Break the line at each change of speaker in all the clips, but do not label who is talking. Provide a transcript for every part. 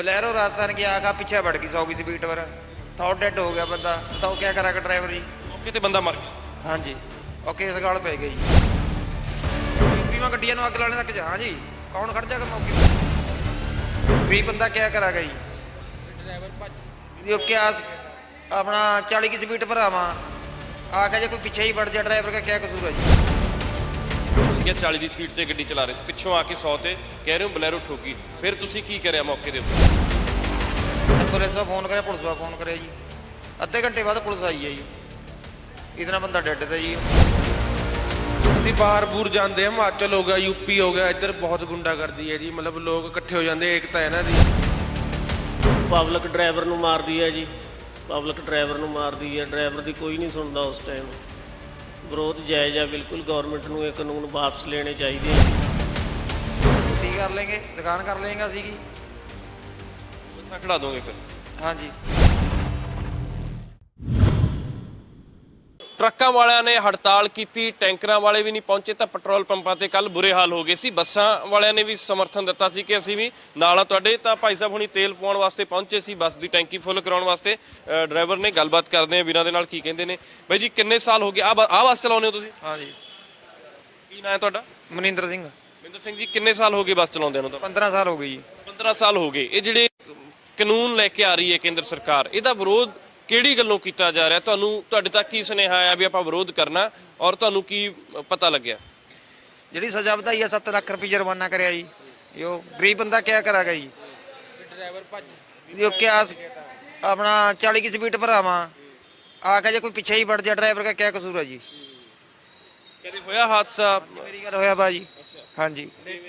बलैरो राजस्थान की आगा पीछे बढ़ गई 100 की स्पीड पर। थॉट डेड हो गया बंदा, बताओ क्या करेगा ड्राइवर जी।
मौके ते बंदा मर गया।
हाँ जी, और केस गाल पै गई। बीमा गड्डियां अग लाने तक जा। हाँ जी, कौन खड़ जाएगा मौके पर? भी बंदा क्या करेगा जी। जो क्या अपना 40 की स्पीड पर आवा आके जो कोई पीछे ही बढ़ जाए, ड्राइवर का क्या कसूर है जी।
ਤੁਸੀਂ ਕਿਹਾ 40 ਦੀ ਸਪੀਡ ਤੇ ਗੱਡੀ ਚਲਾ ਰਹੇ ਸੀ, ਪਿੱਛੋਂ ਆ ਕੇ 100 ਤੇ ਕਹਿ ਰਹੇ ਹੋ ਬਲੈਰੋ ਠੋਕੀ, ਫਿਰ ਤੁਸੀਂ ਕੀ ਕਰਿਆ ਮੌਕੇ ਦੇ ਉੱਪਰ?
पुलिस को फोन करे, पुलिस को फोन करे जी। अद्धे घंटे बाद पुलिस आई है जी, इतना बंदा डेड था जी।
ਅਸੀਂ ਬਾਹਰ ਬੂਰ ਜਾਂਦੇ ਆ, ਹਿਮਾਚਲ ਹੋ ਗਿਆ, ਯੂਪੀ ਹੋ ਗਿਆ, ਇੱਧਰ ਬਹੁਤ ਗੁੰਡਾਗਰਦੀ ਹੈ ਜੀ। ਮਤਲਬ ਲੋਕ ਇਕੱਠੇ ਹੋ ਜਾਂਦੇ, ਏਕਤਾ ਹੈ ਇਹਨਾਂ ਦੀ।
ਪਬਲਿਕ ਡਰਾਈਵਰ ਨੂੰ ਮਾਰਦੀ ਹੈ ਜੀ, ਪਬਲਿਕ ਡਰਾਈਵਰ ਨੂੰ ਮਾਰਦੀ ਹੈ। ਡਰਾਈਵਰ ਦੀ ਕੋਈ ਨਹੀਂ ਸੁਣਦਾ ਉਸ ਟਾਈਮ। ਵਿਰੋਧ ਜਾਇਜ਼ ਆ ਬਿਲਕੁਲ। ਗਵਰਨਮੈਂਟ ਨੂੰ ਇਹ ਕਾਨੂੰਨ ਵਾਪਸ ਲੈਣੇ ਚਾਹੀਦੇ ਆ।
खेती कर लेंगे, दुकान कर लेंगे असी की।
ਬੱਸਾਂ ਖੜਾ ਦੋਗੇ ਫਿਰ?
हाँ जी।
ਟਰੱਕਾਂ ਵਾਲਿਆਂ ਨੇ ਹੜਤਾਲ ਕੀਤੀ, ਟੈਂਕਰਾਂ ਵਾਲੇ ਵੀ ਨਹੀਂ ਪਹੁੰਚੇ ਤਾਂ ਪੈਟਰੋਲ ਪੰਪਾਂ ਤੇ ਕੱਲ ਬੁਰੇ ਹਾਲ ਹੋ ਗਏ ਸੀ। ਬੱਸਾਂ ਵਾਲਿਆਂ ਨੇ ਵੀ ਸਮਰਥਨ ਦਿੱਤਾ ਸੀ ਕਿ ਅਸੀਂ ਵੀ ਨਾਲ ਆ ਤੁਹਾਡੇ। ਤਾਂ ਭਾਈ ਸਾਹਿਬ ਹੁਣੀ ਤੇਲ ਪਵਾਉਣ ਵਾਸਤੇ ਪਹੁੰਚੇ ਸੀ, ਬੱਸ ਦੀ ਟੈਂਕੀ ਫੁੱਲ ਕਰਾਉਣ ਵਾਸਤੇ। ਡਰਾਈਵਰ ਨੇ ਗੱਲਬਾਤ ਕਰਦੇ ਆ ਵੀਰਾਂ ਦੇ ਨਾਲ, ਕੀ ਕਹਿੰਦੇ ਨੇ। ਬਾਈ ਜੀ ਕਿੰਨੇ ਸਾਲ ਹੋ ਗਏ ਆ ਬੱਸ ਚਲਾਉਂਦੇ ਹੋ ਤੁਸੀਂ?
हाँ जी।
ਕੀ ਨਾਂ ਹੈ ਤੁਹਾਡਾ?
मनिंदर सिंह।
ਮਨਿੰਦਰ ਸਿੰਘ ਜੀ ਕਿੰਨੇ ਸਾਲ ਹੋ ਗਏ ਬੱਸ ਚਲਾਉਂਦਿਆਂ ਨੂੰ? ਤਾਂ
15 साल हो गई जी।
15 ਸਾਲ ਹੋ ਗਏ। ਇਹ ਜਿਹੜੇ ਕਾਨੂੰਨ ਲੈ ਕੇ ਆ ਰਹੀ ਹੈ ਕੇਂਦਰ ਸਰਕਾਰ, ਇਹਦਾ ਵਿਰੋਧ ਕਿਹੜੀ ਗੱਲੋਂ ਕੀਤਾ ਜਾ ਰਿਹਾ? ਤੁਹਾਨੂੰ ਤੁਹਾਡੇ ਤੱਕ ਕੀ ਸੁਨੇਹਾ ਆਇਆ ਵੀ ਆਪਾਂ ਵਿਰੋਧ ਕਰਨਾ, ਔਰ ਤੁਹਾਨੂੰ ਕੀ ਪਤਾ ਲੱਗਿਆ?
ਜਿਹੜੀ ਸਜ਼ਾ ਵਧਾਈ ਆ 7 ਲੱਖ ਰੁਪਏ ਜੁਰਮਾਨਾ ਕਰਿਆ ਜੀ। ਜੋ ਗਰੀਬ ਬੰਦਾ ਕਿਆ ਕਰਾਗਾ ਜੀ। ਜੋ ਕਿਆ अपना 40 की स्पीड पर आवा आके जो कोई पीछे ही बढ़ जाए, ड्राइवर का क्या कसूर है जी।
ਕਦੇ ਹੋਇਆ ਹਾਦਸਾ?
मेरी गल होया भाजी। हाँ जी,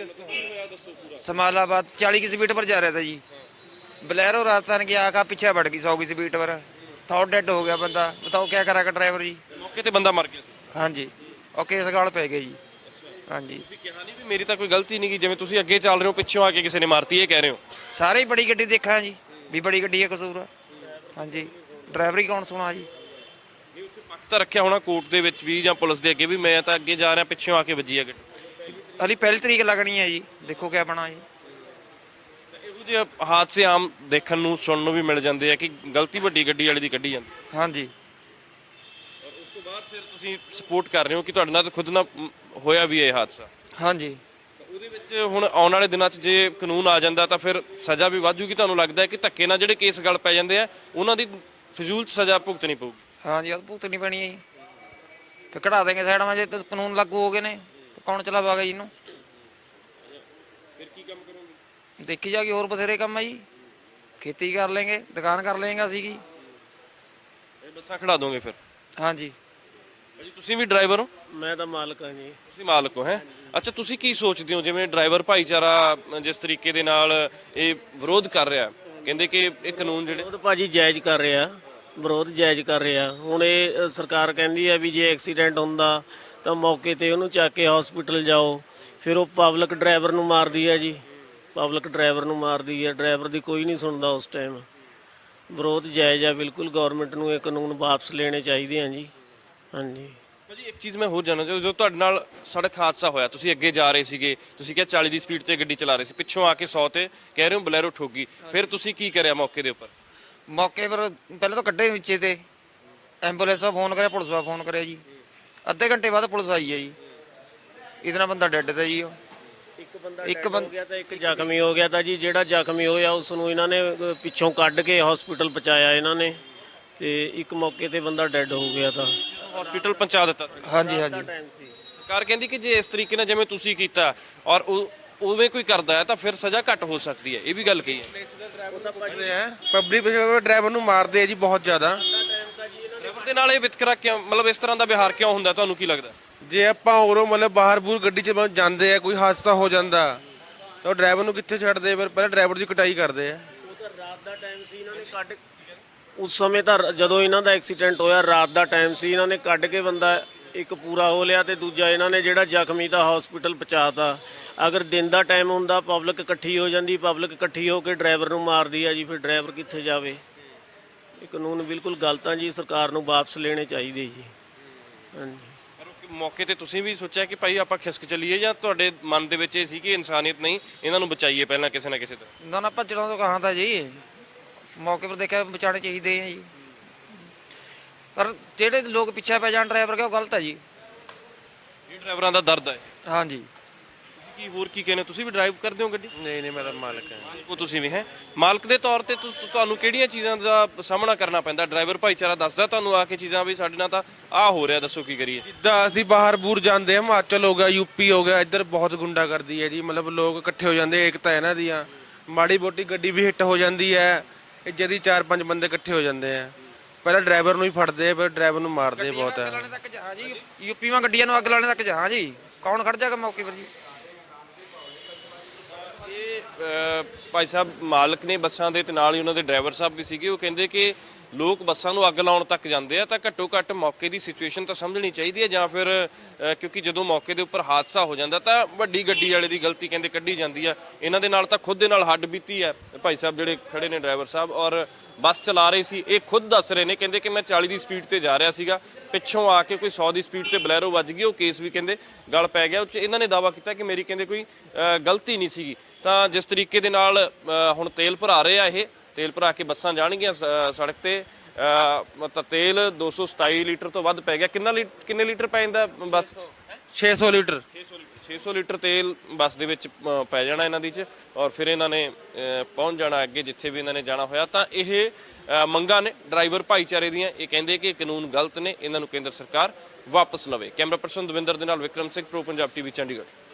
समालाबाद 40 की स्पीड पर जा रहा था जी। बलैरो राजस्थान की आगा पीछे बढ़ गई 100 की स्पीड पर। थॉट डेड हो गया बंदा, बताओ क्या करेगा ड्राइवर जी।
ਮੌਕੇ ਤੇ ਬੰਦਾ ਮਰ ਗਿਆ ਸੀ।
हाँ जी, और केस गाल पै गई जी। हाँ जी,
ਤੁਸੀਂ ਕਿਹਾ ਨਹੀਂ ਵੀ ਮੇਰੀ ਤਾਂ ਕੋਈ ਗਲਤੀ ਨਹੀਂ ਗੀ, ਜਿਵੇਂ ਤੁਸੀਂ ਅੱਗੇ ਚੱਲ ਰਹੇ ਹੋ ਪਿੱਛੋਂ ਆ ਕੇ ਕਿਸੇ ਨੇ ਮਾਰਤੀ, ਇਹ ਕਹਿ ਰਹੇ ਹੋ?
सारे ही बड़ी गड्डी देखा जी, भी बड़ी गड्डी है कसूर है। हाँ जी, ड्राइवर ही कौन सुना जी।
ਨਹੀਂ ਉੱਥੇ ਪੱਖ ਤਾਂ ਰੱਖਿਆ ਹੋਣਾ ਕੋਰਟ ਦੇ ਵਿੱਚ ਵੀ ਜਾਂ ਪੁਲਿਸ ਦੇ ਅੱਗੇ ਵੀ, ਮੈਂ ਤਾਂ ਅੱਗੇ ਜਾ ਰਿਹਾ ਪਿੱਛੋਂ ਆ ਕੇ ਵੱਜੀ ਆ ਗੱਡੀ।
अली पहली तरीक लगनी है जी, देखो क्या बना जी।
ਇਹੋ ਜਿਹੇ ਹਾਦਸੇ ਆਮ ਦੇਖਣ ਨੂੰ ਸੁਣਨ ਨੂੰ ਵੀ ਮਿਲ ਜਾਂਦੇ ਆ ਕਿ ਗਲਤੀ ਵੱਡੀ ਗੱਡੀ ਵਾਲੇ ਦੀ ਕੱਢੀ ਜਾਂਦੀ।
हाँ जी,
ਔਰ ਉਸ ਤੋਂ ਬਾਅਦ ਫਿਰ ਤੁਸੀਂ ਸਪੋਰਟ ਕਰ ਰਹੇ ਹੋ ਕਿ ਤੁਹਾਡੇ ਨਾਲ ਤਾਂ ਖੁਦ ਨਾਲ ਹੋਇਆ ਵੀ ਇਹ ਹਾਦਸਾ।
हाँ जी।
ਉਹਦੇ ਵਿੱਚ ਹੁਣ ਆਉਣ ਵਾਲੇ ਦਿਨਾਂ 'ਚ ਜੇ ਕਾਨੂੰਨ ਆ ਜਾਂਦਾ ਤਾਂ ਫਿਰ ਸਜ਼ਾ ਵੀ ਵੱਧ ਜੂਗੀ। ਤੁਹਾਨੂੰ ਲੱਗਦਾ ਹੈ ਕਿ ਧੱਕੇ ਨਾਲ ਜਿਹੜੇ ਕੇਸ ਗਲ ਪੈ ਜਾਂਦੇ ਆ ਉਹਨਾਂ ਦੀ ਫਜ਼ੂਲ 'ਚ ਸਜ਼ਾ ਭੁਗਤਣੀ ਪਊਗੀ?
हाँ जी, अब भुगतनी पैनी है जी। फिर कढ़ा देंगे साइड में, जो कानून लागू हो गए ने, तो कौन चलावागा जी इनू।
ਫਿਰ ਕੀ ਕੰਮ ਕਰੋਗੇ?
देखी जाएगी, और बथेरे काम है जी। खेती कर लेंगे, दुकान कर लेंगे असी की।
ਇਹ ਬੱਸਾਂ ਖੜਾ ਦੋਗੇ ਫਿਰ?
हाँ जी।
ਭਾਜੀ ਤੁਸੀਂ ਵੀ ਡਰਾਈਵਰ ਹੋ?
ਮੈਂ ਤਾਂ ਮਾਲਕ ਹਾਂ ਜੀ।
ਤੁਸੀਂ ਮਾਲਕ ਹੋ? ਹੈ ਅੱਛਾ, ਤੁਸੀਂ ਕੀ ਸੋਚਦੇ ਹੋ ਜਿਵੇਂ ਡਰਾਈਵਰ ਭਾਈਚਾਰਾ ਜਿਸ ਤਰੀਕੇ ਦੇ ਨਾਲ ਇਹ ਵਿਰੋਧ ਕਰ ਰਿਹਾ, ਕਹਿੰਦੇ ਕਿ ਇਹ ਕਾਨੂੰਨ ਜਿਹੜੇ
ਵਿਰੋਧ ਭਾਜੀ ਜਾਇਜ਼ ਕਰ ਰਿਹਾ, ਵਿਰੋਧ ਜਾਇਜ਼ ਕਰ ਰਿਹਾ। ਹੁਣ ਇਹ ਸਰਕਾਰ ਕਹਿੰਦੀ ਹੈ ਵੀ ਜੇ ਐਕਸੀਡੈਂਟ ਹੁੰਦਾ ਤਾਂ ਮੌਕੇ ਤੇ ਉਹਨੂੰ ਚੱਕ ਕੇ ਹਸਪੀਟਲ ਜਾਓ, ਫਿਰ ਉਹ ਪਬਲਿਕ ਡਰਾਈਵਰ ਨੂੰ ਮਾਰਦੀ ਹੈ ਜੀ, ਪਬਲਿਕ ਡਰਾਈਵਰ ਨੂੰ ਮਾਰਦੀ ਹੈ। ਡਰਾਈਵਰ ਦੀ ਕੋਈ ਨਹੀਂ ਸੁਣਦਾ ਉਸ ਟਾਈਮ। ਵਿਰੋਧ ਜਾਇਜ਼ ਆ ਬਿਲਕੁਲ। ਗਵਰਨਮੈਂਟ ਨੂੰ ਇਹ ਕਾਨੂੰਨ ਵਾਪਸ ਲੈਣੇ ਚਾਹੀਦੇ ਆ ਜੀ। ਹਾਂਜੀ
ਭਾਜੀ ਇੱਕ ਚੀਜ਼ ਮੈਂ ਹੋਰ ਜਾਣਨਾ ਚਾਹੁੰਦਾ, ਜੋ ਤੁਹਾਡੇ ਨਾਲ ਸੜਕ ਹਾਦਸਾ ਹੋਇਆ, ਤੁਸੀਂ ਅੱਗੇ ਜਾ ਰਹੇ ਸੀਗੇ, ਤੁਸੀਂ ਕਿਹਾ 40 ਦੀ ਸਪੀਡ ਤੇ ਗੱਡੀ ਚਲਾ ਰਹੇ ਸੀ, ਪਿੱਛੋਂ ਆ ਕੇ 100 ਤੇ ਕਹਿ ਰਹੇ ਹੋ ਬਲੈਰੋ ਠੋਕੀ, ਫਿਰ ਤੁਸੀਂ ਕੀ ਕਰਿਆ ਮੌਕੇ ਦੇ ਉੱਪਰ?
मौके पर पहले तो कड्ढे नीचे थे, एंबुलेंस का फोन करे, पुलिस का फोन करे जी। अद्धे घंटे बाद पुलिस आई है जी, इतना बंदा डेड था जी।
ਇੱਕ ਬੰਦਾ ਹੋ ਗਿਆ ਤਾਂ ਇੱਕ ਜ਼ਖਮੀ ਹੋ ਗਿਆ ਤਾਂ ਜੀ। ਜਿਹੜਾ ਜ਼ਖਮੀ ਹੋਇਆ ਉਸ ਨੂੰ ਇਹਨਾਂ ਨੇ ਪਿੱਛੋਂ ਕੱਢ ਕੇ ਹਸਪੀਟਲ ਪਹੁੰਚਾਇਆ ਇਹਨਾਂ ਨੇ, ਤੇ ਇੱਕ ਮੌਕੇ ਤੇ ਬੰਦਾ ਡੈੱਡ ਹੋ ਗਿਆ ਤਾਂ
ਹਸਪੀਟਲ ਪਹੁੰਚਾ ਦਿੱਤਾ ਸੀ।
हाँ जी, हाँ जी।
ਟਾਈਮ ਸੀ।
ਸਰਕਾਰ ਕਹਿੰਦੀ ਕਿ ਜੇ ਇਸ ਤਰੀਕੇ ਨਾਲ ਜਿਵੇਂ ਤੁਸੀਂ ਕੀਤਾ ਔਰ ਉਵੇਂ ਕੋਈ ਕਰਦਾ ਹੈ ਤਾਂ ਫਿਰ ਸਜ਼ਾ ਘੱਟ ਹੋ ਸਕਦੀ ਹੈ, ਇਹ ਵੀ ਗੱਲ ਕਹੀ ਹੈ।
ਪਬਲਿਕ ਡਰਾਈਵਰ ਨੂੰ ਮਾਰਦੇ ਆ ਜੀ ਬਹੁਤ ਜ਼ਿਆਦਾ।
ਡਰਾਈਵਰ ਦੇ ਨਾਲ ਇਹ ਵਿਤਕਰਾ ਕਿਉਂ, ਮਤਲਬ ਇਸ ਤਰ੍ਹਾਂ ਦਾ ਵਿਹਾਰ ਕਿਉਂ ਹੁੰਦਾ, ਤੁਹਾਨੂੰ ਕੀ ਲੱਗਦਾ?
ਜੇ ਆਪਾਂ ਉਰੋਂ ਮਤਲਬ ਬਾਹਰ ਬੂਰ ਗੱਡੀ 'ਚ ਜਾਂਦੇ ਆ, ਕੋਈ ਹਾਦਸਾ ਹੋ ਜਾਂਦਾ ਤਾਂ ਡਰਾਈਵਰ ਨੂੰ ਕਿੱਥੇ ਛੱਡਦੇ? ਫਿਰ ਪਹਿਲਾਂ ਡਰਾਈਵਰ ਦੀ ਕਟਾਈ ਕਰਦੇ ਆ।
ਉਹ ਤਾਂ ਰਾਤ ਦਾ ਟਾਈਮ ਸੀ, ਇਹਨਾਂ ਨੇ ਕੱਢ ਉਸ ਸਮੇਂ ਤਾਂ ਜਦੋਂ ਇਹਨਾਂ ਦਾ ਐਕਸੀਡੈਂਟ ਹੋਇਆ ਰਾਤ ਦਾ ਟਾਈਮ ਸੀ। ਇਹਨਾਂ ਨੇ ਕੱਢ ਕੇ ਬੰਦਾ ਇੱਕ ਪੂਰਾ ਹੋ ਲਿਆ ਤੇ ਦੂਜਾ ਇਹਨਾਂ ਨੇ ਜਿਹੜਾ ਜ਼ਖਮੀ ਤਾਂ ਹਸਪੀਟਲ ਪਹੁੰਚਾਤਾ। ਅਗਰ ਦਿਨ ਦਾ ਟਾਈਮ ਹੁੰਦਾ ਪਬਲਿਕ ਇਕੱਠੀ ਹੋ ਜਾਂਦੀ, ਪਬਲਿਕ ਇਕੱਠੀ ਹੋ ਕੇ ਡਰਾਈਵਰ ਨੂੰ ਮਾਰਦੀ ਆ ਜੀ, ਫਿਰ ਡਰਾਈਵਰ ਕਿੱਥੇ ਜਾਵੇ। ਇਹ ਕਾਨੂੰਨ ਬਿਲਕੁਲ ਗਲਤ ਆ ਜੀ, ਸਰਕਾਰ ਨੂੰ ਵਾਪਸ ਲੈਣੇ ਚਾਹੀਦੇ ਜੀ। ਹਾਂਜੀ।
ਮੌਕੇ ਤੇ ਤੁਸੀਂ ਵੀ ਸੋਚਿਆ ਕਿ ਭਾਈ ਆਪਾਂ ਖਿਸਕ ਚੱਲੀਏ, ਜਾਂ ਤੁਹਾਡੇ ਮਨ ਦੇ ਵਿੱਚ ਇਹ ਸੀ ਕਿ ਇਨਸਾਨੀਅਤ ਨਹੀਂ, ਇਹਨਾਂ ਨੂੰ ਬਚਾਈਏ ਪਹਿਲਾਂ ਕਿਸੇ ਨਾ ਕਿਸੇ ਤਰ੍ਹਾਂ?
ਨਾ ਭੱਜਣਾ ਤੋਂ ਕਹਾਂ ਤਾਂ ਜੀ, ਮੌਕੇ ਪਰ ਦੇਖਿਆ ਬਚਾਉਣੇ ਚਾਹੀਦੇ ਆ ਜੀ, ਪਰ ਜਿਹੜੇ ਲੋਕ ਪਿੱਛੇ ਪੈ ਜਾਣ ਡਰਾਈਵਰ ਕੇ ਉਹ ਗਲਤ ਹੈ ਜੀ।
ਇਹ ਡਰਾਈਵਰਾਂ ਦਾ ਦਰਦ ਹੈ।
ਹਾਂਜੀ।
ਤੁਸੀਂ ਕੀ ਹੋਰ ਕੀ ਕਹਿੰਦੇ, ਤੁਸੀਂ ਵੀ ਡਰਾਈਵ ਕਰਦੇ ਹੋ ਗੱਡੀ?
ਨਹੀਂ ਨਹੀਂ, ਮੈਂ ਤਾਂ ਮਾਲਕ ਹਾਂ।
ਉਹ ਤੁਸੀਂ ਵੀ ਹੈ ਮਾਲਕ ਦੇ ਤੌਰ ਤੇ ਤੁਹਾਨੂੰ ਕਿਹੜੀਆਂ ਚੀਜ਼ਾਂ ਦਾ ਸਾਹਮਣਾ ਕਰਨਾ ਪੈਂਦਾ? ਡਰਾਈਵਰ ਭਾਈਚਾਰਾ ਦੱਸਦਾ ਤੁਹਾਨੂੰ ਆ ਕੇ ਚੀਜ਼ਾਂ ਵੀ ਸਾਡੇ ਨਾਲ ਤਾਂ ਆਹ ਹੋ ਰਿਹਾ, ਦੱਸੋ ਕੀ ਕਰੀਏ?
ਜਿੱਦਾਂ ਅਸੀਂ ਬਾਹਰ ਬੂਰ ਜਾਂਦੇ ਹਾਂ, ਹਿਮਾਚਲ ਹੋ ਗਿਆ, ਯੂਪੀ ਹੋ ਗਿਆ, ਇੱਧਰ ਬਹੁਤ ਗੁੰਡਾਗਰਦੀ ਹੈ ਜੀ। ਮਤਲਬ ਲੋਕ ਇਕੱਠੇ ਹੋ ਜਾਂਦੇ, ਏਕਤਾ ਇਹਨਾਂ ਦੀਆਂ, ਮਾੜੀ ਮੋਟੀ ਗੱਡੀ ਵੀ ਹਿੱਟ ਹੋ ਜਾਂਦੀ ਹੈ, ਜਦੀ 4-5 ਬੰਦੇ ਇਕੱਠੇ ਹੋ ਜਾਂਦੇ ਆ, ਪਹਿਲਾਂ ਡਰਾਈਵਰ ਨੂੰ ਹੀ ਫੜਦੇ ਆ, ਫਿਰ ਡਰਾਈਵਰ ਨੂੰ ਮਾਰਦੇ ਬਹੁਤ
ਅੱਗ
ਹੈ।
ਲਾਣੇ ਤੱਕ ਜਾ ਜੀ, ਯੂਪੀਆਂ ਗੱਡੀਆਂ ਨੂੰ ਅੱਗ ਲਾਣੇ ਤੱਕ ਜਾ ਜੀ, ਕੌਣ ਖੜ ਜਾਗਾ ਮੌਕੇ ਪਰ ਜੀ?
ਭਾਈ ਸਾਹਿਬ ਮਾਲਕ ਨੇ ਬੱਸਾਂ ਦੇ ਤੇ ਨਾਲ ਹੀ ਉਹਨਾਂ ਦੇ ਡਰਾਈਵਰ ਸਾਹਿਬ ਵੀ ਸੀਗੇ, ਉਹ ਕਹਿੰਦੇ ਕਿ ਲੋਕ ਬੱਸਾਂ ਨੂੰ ਅੱਗ ਲਾਉਣ ਤੱਕ ਜਾਂਦੇ ਆ, ਤਾਂ ਘੱਟੋ ਘੱਟ ਮੌਕੇ ਦੀ ਸਿਚੁਏਸ਼ਨ ਤਾਂ ਸਮਝਣੀ ਚਾਹੀਦੀ ਹੈ, ਜਾਂ ਫਿਰ ਕਿਉਂਕਿ ਜਦੋਂ ਮੌਕੇ ਦੇ ਉੱਪਰ ਹਾਦਸਾ ਹੋ ਜਾਂਦਾ ਤਾਂ ਵੱਡੀ ਗੱਡੀ ਵਾਲੇ ਦੀ ਗਲਤੀ ਕਹਿੰਦੇ ਕੱਢੀ ਜਾਂਦੀ ਆ। ਇਹਨਾਂ ਦੇ ਨਾਲ ਤਾਂ ਖੁਦ ਦੇ ਨਾਲ ਹੱਡ ਬੀਤੀ ਹੈ। ਭਾਈ ਸਾਹਿਬ ਜਿਹੜੇ ਖੜੇ ਨੇ ਡਰਾਈਵਰ ਸਾਹਿਬ, ਔਰ ਬੱਸ ਚਲਾ ਰਹੇ ਸੀ, ਇਹ ਖੁਦ ਦੱਸ ਰਹੇ ਨੇ, ਕਹਿੰਦੇ ਕਿ ਮੈਂ 40 ਦੀ ਸਪੀਡ ਤੇ ਜਾ ਰਿਹਾ ਸੀਗਾ, ਪਿੱਛੋਂ ਆ ਕੇ ਕੋਈ 100 ਦੀ ਸਪੀਡ ਤੇ ਬਲੈਰੋ ਵੱਜ ਗਈ, ਉਹ ਕੇਸ ਵੀ ਕਹਿੰਦੇ ਗਲ ਪੈ ਗਿਆ। ਉਹ 'ਚ ਇਹਨਾਂ ਨੇ ਦਾਅਵਾ ਕੀਤਾ ਕਿ ਮੇਰੀ ਕਹਿੰਦੇ ਕੋਈ ਗਲਤੀ ਨਹੀਂ ਸੀਗੀ। ਤਾਂ ਜਿਸ ਤਰੀਕੇ ਦੇ ਨਾਲ ਹੁਣ ਤੇਲ ਭਰਾ ਰਹੇ ਆ, ਇਹ ਤੇਲ ਭਰਾ ਕੇ ਬੱਸਾਂ ਜਾਣਗੀਆਂ ਸੜਕ ਤੇ, ਤਾਂ ਤੇਲ 227 ਲੀਟਰ ਤੋਂ ਵੱਧ ਪੈ ਗਿਆ। ਕਿੰਨੇ ਲੀਟਰ ਪੈ ਜਾਂਦਾ ਬੱਸ?
600 ਲੀਟਰ
600 ਲੀਟਰ ਤੇਲ ਬੱਸ ਦੇ ਵਿੱਚ ਪੈ ਜਾਣਾ ਇਹਨਾਂ ਦੀ 'ਚ, ਔਰ ਫਿਰ ਇਹਨਾਂ ਨੇ ਪਹੁੰਚ ਜਾਣਾ ਅੱਗੇ ਜਿੱਥੇ ਵੀ ਇਹਨਾਂ ਨੇ ਜਾਣਾ ਹੋਇਆ। ਤਾਂ ਇਹ ਮੰਗਾਂ ਨੇ ਡਰਾਈਵਰ ਭਾਈਚਾਰੇ ਦੀਆਂ, ਇਹ ਕਹਿੰਦੇ ਕਿ ਕਾਨੂੰਨ ਗਲਤ ਨੇ, ਇਹਨਾਂ ਨੂੰ ਕੇਂਦਰ ਸਰਕਾਰ ਵਾਪਸ ਲਵੇ। ਕੈਮਰਾ ਪਰਸਨ ਦਵਿੰਦਰ ਦੇ ਨਾਲ ਵਿਕਰਮ ਸਿੰਘ, ਪ੍ਰੋ ਪੰਜਾਬ ਟੀਵੀ, ਚੰਡੀਗੜ੍ਹ।